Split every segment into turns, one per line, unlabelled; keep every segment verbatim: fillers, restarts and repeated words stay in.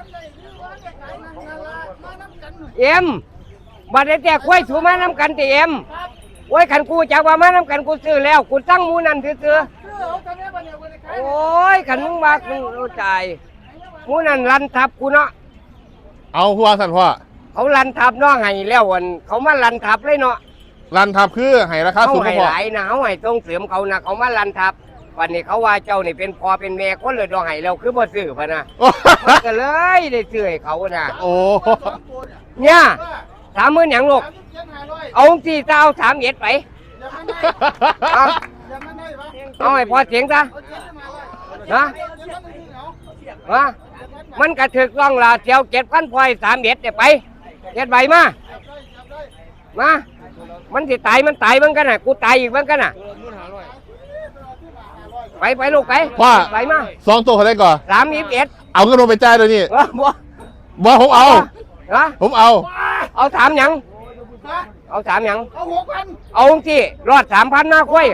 เอ็มบัดนี้แต่กล้วยถูมาน้ำกันแต่เอ็มโอ้ยขันกูจากว่ามาน้ำกันกูซื้อแล้วกูตั้งมูนั่นซื้อโอ้ยขันมึงมากูรู้ใจมูนั่นรันทับกูเนาะ
เอาหัวสั่นพ่อ
เขารันทับเนาะไห้แล้ววันเขามารันทับเลยเนาะ
รันทับคือให้ราคาสูงกว่าพ่อ
หลายนะเขาให้ต้องเสริมเขานะเขามารันทับวันนี้เขาว่าเจ้านี่เป็นพ่อเป็นแม่คนเลยดองไห้แล้วคือบ่ซื้อพะนะมันก็เลยได้ซื้อให้เขานะ
โอ้
เนี่ยสามหมื่นอย่างลูกเอาสี่เจ้าสามเอ็ดไปเอาให้พอเสียงซะนะนะมันกระถึกร่องลาเจียวเจ็ดพันพลอยสามเอ็ดเดี๋ยวไปเจ็ดใบมามามันสิตายมันตายเหมือนกันน่ะกูตายอีกเหมือนกันน่ะไปไปลูกไปไปมา
สองตัวเขาได้ก่อน
สามยี่สิบเอ็ด
เอาเงินลงไปจ่ายเดี๋ยวนี้
บ่
บ่ผมเอาผมเอา
เอาถามยังเอาถามยัง
เอาหกพัน
เอาที่รอดสามพันหน้าคุ้ย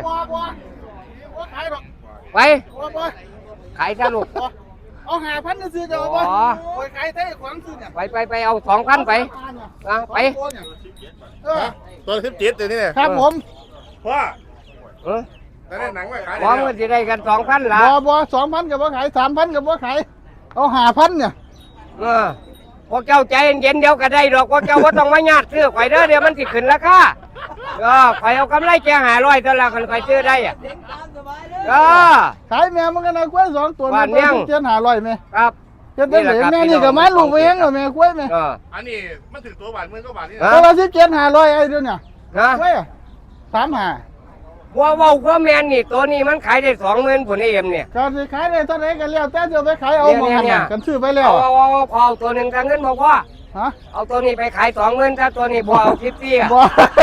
ไปขายซะลูก
เอาหาพันซื้อเดี๋ยวไปขายเท่ขวางซื้อเนี่ย
ไปไปไปเอาสองพันไปนะไป
ตัวสิบเจ็ดตัวนี้
ครับผม
พ่อเออแต่ได้หนังไว้ขาย
บ่มันจะได้กันสองพันละ
บ่บ่สองพันกับบ่ขายสามพันกับบ่ขายเอาหาพันเนี่ย
เออพวกเจ้าใจเย็นเดี๋ยวก็ได้ดอกพวกเจ้าว่าต้องมาญาติซื้อข่อยเด้อเดี๋ยวมันสิขึ้นราคาเออข่อยเอากำไรแกหาร้อยเท่าไรคนข่อยซื้อได้อ่ะเออ
ขายแม่มันก็น่ากล้วยสองตัวมันเป็นเจ็ดหาร้อยไหม
ครับ
เจ็ดได้เลยแม่นี่กับไม้ลูกเองเหรอแม่กล้วยไหม
อันนี้มันถึงตัวบาทเมื่อก็บาทนี่
ตัวละสิบเจ็ดหาร้อยไอ้เดี๋ยวเนี่ย
นะ
กล้วยสามหา
ว่าว่าว่าแมนนี่ตัวนี้มันขายได้สองหมื่นผลเอ็มเนี่ย
การขายได้เท่าไหร่กันแล้วแต่จะไปขายเอาหมดกันซื้อไปแล้ว
เอาเอาพอตัวหนึ่งกันเงินบอกว่าเอาตัวนี้ไปขายสองหมื่นถ้าตัวนี้พอเอาคิดซี่อ่ะ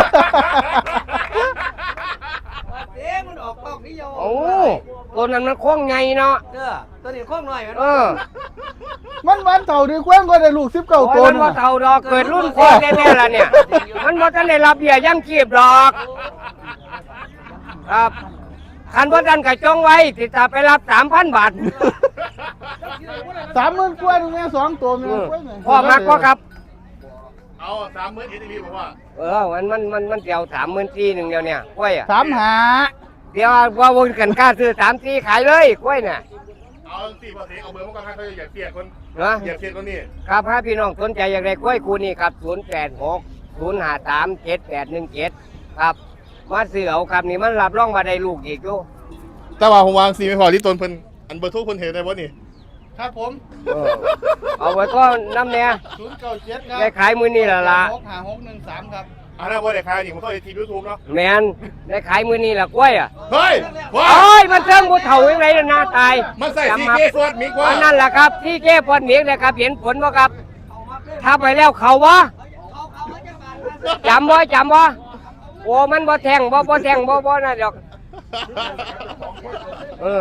เอ๊ะมันออกกล้องนี่โย
โอ้ตัวนั้นมันโค้งไงเนาะ
เออตัวนี้โค้งหน่อย
เออ
มันมันเต่าดีกว้างก็ได้ลูกสิบเก้าตัว
มันว่าเต่าดอกเกิดรุ่นพ่อแน่ๆละเนี่ยมันว่าท่านได้รับเบี้ยยังชีพดอกครับคันว่าท่านกระจงไว้ติดตาไปรับสามพันบาท
สามหมื่นกว่าตรงนี้สองตัวมี
พ่อมากก็ครับ
เอาสามหมื่นเอทีวีบอกว่า
เออมันมันมันมันเดียวสามหมื่นสี่หนึ่งเดียวเนี่ยกล้วยอ่ะ
สามหา
เดี๋ยวว่าวนกันกล้าซื้อสามสี่ขายเลยกล้วยเนี่ย
เอาสี่พอสีเอาเบอร์มาก่อนให้เขาอยากเปลี่ยนคน
นะ
อยากเปลี่ยนคนนี้
ครับถ้าพี่น้องสนใจอยากได้กล้วยคูนี่ครับศูนย์แปดหกศูนย์ห้าสามเจ็ดแปดหนึ่งเจ็ดครับมาซื้อเอาครับนี่มันรับรองมาได้ลูกอีกลูก
แต่ว่าผมวางสีไม่พอที่ต้นเพิ่นอันเบอร์ทุกคนเห็นได้บ่นี่
ครับผม
เอาไว้ก็น้ำเนี่ย
ศูนย์เก้าเจ็ดครับ
ได้ขายมือนี่ละละ
หกห้าหกหนึ่งสามครับ
อันนั้นว่าได้ขายนี่ผมเข้าในทีวียูทูบเนาะ
แมนได้ขายมือนี่ละกล้วยอ่ะ
เฮ้ย
โอ้ยมันเทิงบุเถ่ายังไงหน้าตาย
มันใส่ทีเก้ฟอดมิกว่า
นั่นแหละครับที่เก้ฟอดมิกเลยครับเห็นผลว่าครับถ้าไปแล้วเขาวะจำบ่จำบ่โอ้มันบ่แทงบ่บ่แทงบ่บ่น่ะดอก